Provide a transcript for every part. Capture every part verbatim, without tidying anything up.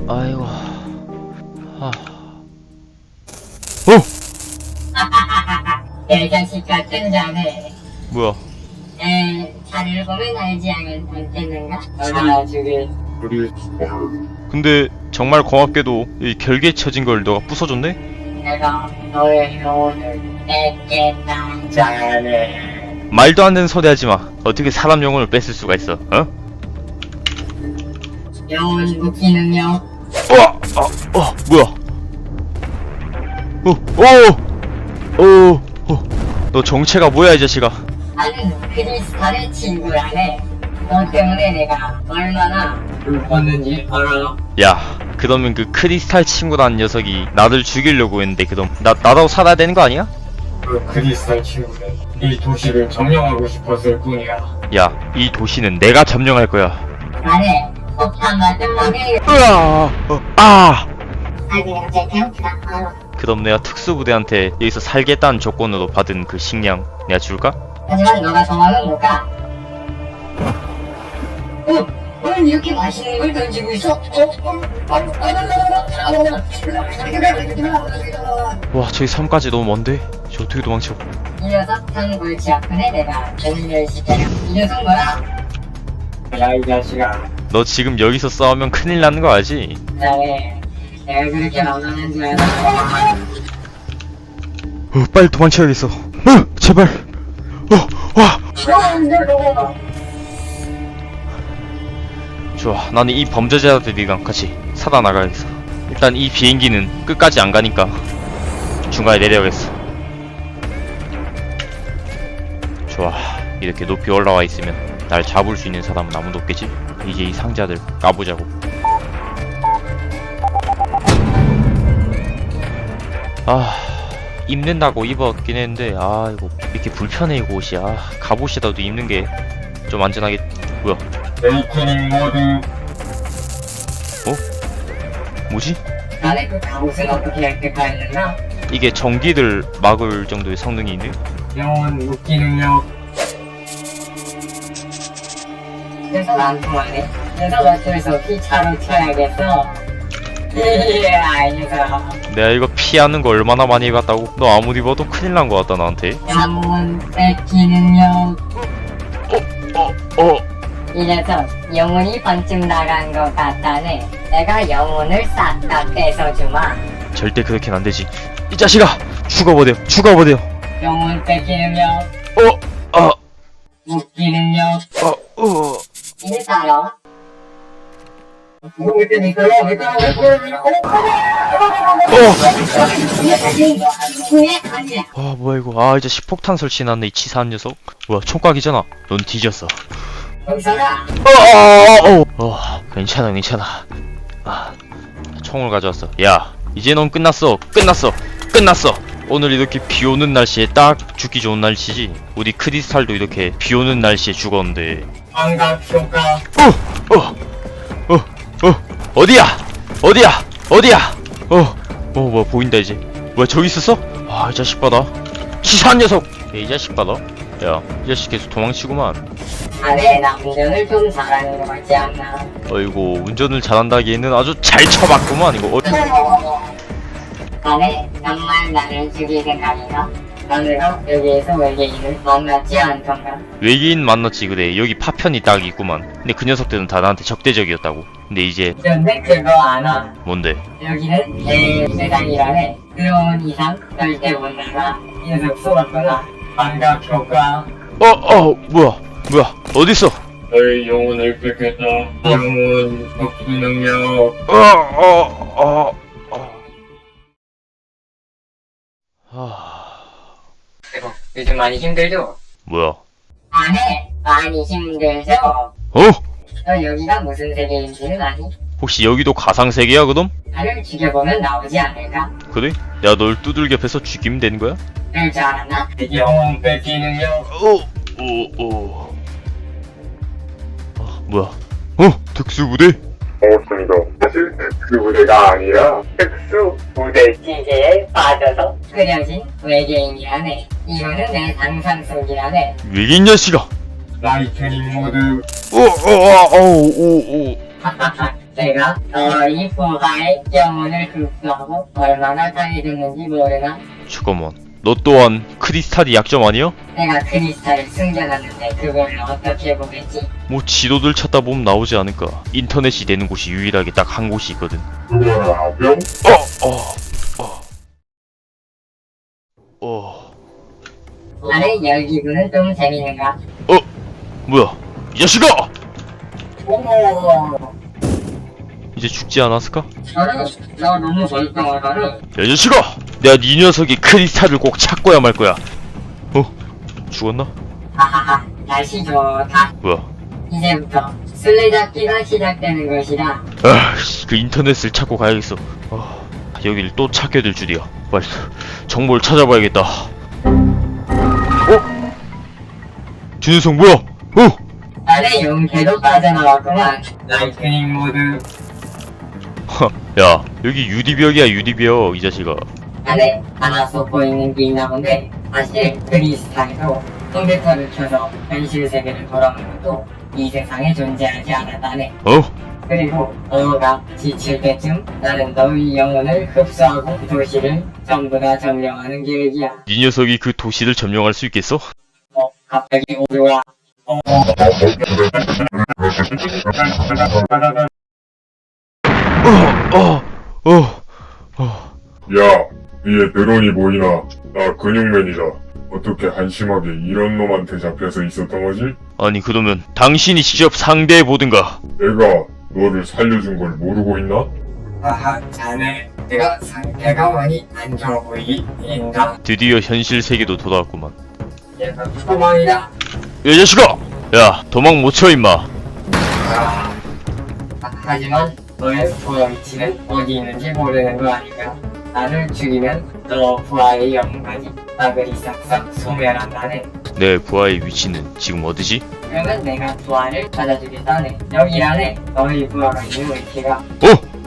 아이고. 아. 어! 이 자식 같은 자네. 뭐야? 에, 자네를 보면 알지 않겠는가? 얼마나 죽일. 근데 정말 고맙게도 이 결계에 처진 걸 너가 부숴줬네? 내가 너의 영혼을 뺏겠다. 자네. 말도 안 되는 소리 하지 마. 어떻게 사람 영혼을 뺏을 수가 있어? 어? 영혼 묶이는요. 어! 어! 어! 뭐야? 어! 어! 어! 어! 너 정체가 뭐야 이 자식아? 나는 크리스탈의 친구라네. 너 때문에 내가 얼마나 불렀는지 알아? 야, 그러면 그 크리스탈 친구라는 녀석이 나를 죽이려고 했는데 그럼 나, 나도 살아야 되는 거 아니야? 그 크리스탈 친구는 이 도시를 점령하고 싶었을 뿐이야. 야, 이 도시는 내가 점령할 거야. 나네. 폭탄 같은 놈이. 으아! 어, 아! 아이고 갑자기 배고프다. 아유. 그럼 내가 특수부대한테 여기서 살겠다는 조건으로 받은 그 식량 내가 줄까? 하지만 너가 정하면 못 가. 어? 오늘 이렇게 맛있는 걸 던지고 있어? 어? 어? 와, 저기 섬까지 너무 먼데? 저 어떻게 도망쳐? 이 녀석 한 골치 아프네. 내가 전멸 시켜요. 이 녀석 뭐야? 야, 이 자식아. 너 지금 여기서 싸우면 큰일 나는 거 알지? 자네 내가 그렇게 만만한 줄 알아? 어, 빨리 도망쳐야겠어. 어, 제발. 어, 와. 좋아, 나는 이 범죄자들이랑 같이 살아나가야겠어. 일단 이 비행기는 끝까지 안 가니까 중간에 내려야겠어. 좋아, 이렇게 높이 올라와 있으면 날 잡을 수 있는 사람은 아무도 없겠지? 이제 이 상자들 까보자고. 아, 입는다고 입었긴 했는데 아 이거 이렇게 불편해 이거 옷이. 아, 갑옷이라도 입는 게 좀 안전하게. 뭐야? 에이크닝 모드. 어? 뭐지? 나네 그 갑옷은 어떻게 획득하였나? 이게 전기를 막을 정도의 성능이 있네? 영혼 묶기 능력. 녀석 안 통하네. 녀석 어쩔 수 없이 차로 튀어야겠어. 이야 이 녀석. 내가 이거 피하는 거 얼마나 많이 해봤다고? 너 아무리 봐도 큰일 난 거 같다 나한테. 영혼 뺏기는요. 어? 어? 이 녀석 영혼이 반쯤 나간 것 같다네. 내가 영혼을 싹 다 뺏어주마. 절대 그렇게는 안 되지. 이 자식아! 죽어버려! 죽어버려! 영혼 뺏기는요. 어? 아! 묶이는요. 어? 어? 이제 따라. 아 뭐야 이거. 아 이제 식폭탄 설치해놨네 이 치사한 녀석. 뭐야 총각이잖아. 넌 뒤졌어. 여기서가 어, 어, 어, 괜찮아, 괜찮아. 아, 총을 가져왔어. 야, 이제 넌 끝났어, 끝났어, 끝났어. 오늘 이렇게 비 오는 날씨에 딱 죽기 좋은 날씨지. 우리 크리스탈도 이렇게 비 오는 날씨에 죽었는데. 환각 효과. 어, 어, 어, 어, 어디야? 어디야? 어디야? 어, 어, 뭐야 보인다 이제. 뭐야 저기 있었어? 아, 이 자식 봐라. 치사한 녀석. 야, 이 자식 봐라. 야, 이 자식 계속 도망치구만. 안에 나 운전을 좀 잘하는 것 같지 않나? 어이구, 운전을 잘한다기에는 아주 잘 쳐봤구만 이거. 어, 안에 정말 나를 죽일 생각인가? 오늘도 여기에서 외계인을 만났지 않던가? 외계인 만났지. 그래, 여기 파편이 딱 있구만. 근데 그 녀석들은 다 나한테 적대적이었다고. 근데 이제 그런데 그거 아나? 뭔데? 여기는 내 세상이라네. 그런 이상 절대 못 나가. 이 녀석 쏘았구나. 환각 효과. 어, 어, 뭐야, 뭐야, 어딨어? 너의 영혼을 뺏겠다. 영혼 묶기 능력. 어, 어, 어, 어. 아, 그리고 요즘 많이 힘들죠? 뭐야? 안에 많이 힘들죠? 어? 너 여기가 무슨 세계인지는 아니? 혹시 여기도 가상 세계야, 그럼? 나를 죽여보면 나오지 않을까? 그래? 내가 널 두들겨 패서 죽이면 되는 거야? 그럴 줄 알았나? 영혼 뺏기 능력. 어, 어, 어. 아, 뭐야? 어, 특수부대? 반갑습니다. 사실 특수부대가 아니라 특수부대. 기계에 빠져서 끓여진 외계인이라네. 이거는 내 상상 속이라네. 외계인 녀식아! 라이트닝 모드. 어, 어, 어, 어, 어, 어. 하하하, 내가 너희 부하의 영혼을 흡수하고 얼마나 강해졌는지 모르나? 잠깐만, 너 또한 크리스탈이 약점 아니야? 내가 크리스탈을 숨겨놨는데 그걸 어떻게 보겠지? 뭐 지도들 찾다 보면 나오지 않을까. 인터넷이 되는 곳이 유일하게 딱 한 곳이 있거든. 뭐라병? 어, 어, 어. 어, 나의 열기구는 좀 재밌는가? 어, 뭐야? 이 자식아! 어머, 이제 죽지 않았을까? 저는 나 너무 멀쩡하다는. 야, 이 자식아! 내가 네 녀석이 크리스탈을 꼭 찾고야 말 거야. 어? 죽었나? 하하하, 날씨 좋다. 뭐야? 이제부터 술래잡기가 시작되는 것이다. 아, 씨, 그 인터넷을 찾고 가야겠어. 아, 여길 또 찾게 될 줄이야. 빨리 정보를 찾아봐야겠다. 어? 저 녀석 뭐야? 어? 나의 용케도 빠져나왔구만. 라이트닝 모드. 허, 야, 여기 유리벽이야, 유리벽, 이 자식아. 안에 하나 쏟고 있는 게 있나 본데, 사실 크리스탈도 컴퓨터를 켜서 현실 세계를 돌아오는 것도 이 세상에 존재하지 않았다네. 어? 그리고 너가 지칠 때쯤 나는 너의 영혼을 흡수하고 도시를 전부 다 점령하는 계획이야. 네 녀석이 그 도시를 점령할 수 있겠어? 어, 갑자기 오류가. 어, 어, 어, 어, 어. 야, 위에 드론이 보이나? 나 근육맨이다. 어떻게 한심하게 이런 놈한테 잡혀서 있었던 거지? 아니, 그러면 당신이 직접 상대해 보든가. 내가 너를 살려준 걸 모르고 있나? 아하, 자네, 내가 상태가 많이 안 좋아 보이인가? 드디어 현실 세계도 돌아왔구만. 얘가 소망이다. 야, 이 자식아! 야, 도망 못 쳐, 임마. 아, 하지만 너의 부하 위치는 어디 있는지 모르는 거 아닌가? 나를 죽이면 너 부하의 영혼까지 나그리 싹싹 소멸한다네. 내 부하의 위치는 지금 어디지? 그러면 내가 부하를 찾아주겠다네. 여기라네. 너희 부하가 있는 위치가. 어?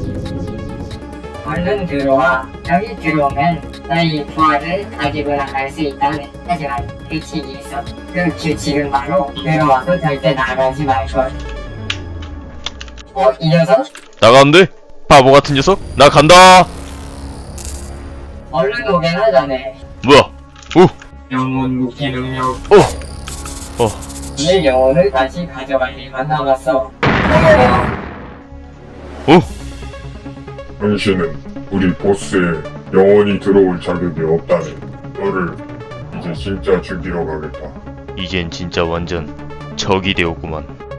얼른 들어와. 여기 들어오면 너희 부하를 가지고 나갈 수 있다네. 하지만 규칙이 있어. 그 규칙은 바로 들어와서 절대 나가지 말걸. 어? 이 녀석? 나가는데? 바보 같은 녀석? 나 간다! 얼른 오게나 전에. 뭐야? 어? 영혼 무기 능력. 어? 어? 내 영혼을 다시 가져갈 일만 남았어. 어? 당신은 우리 보스에 영원히 들어올 자격이 없다네. 너를 이제 진짜 죽이러 가겠다. 이젠 진짜 완전 적이 되었구만.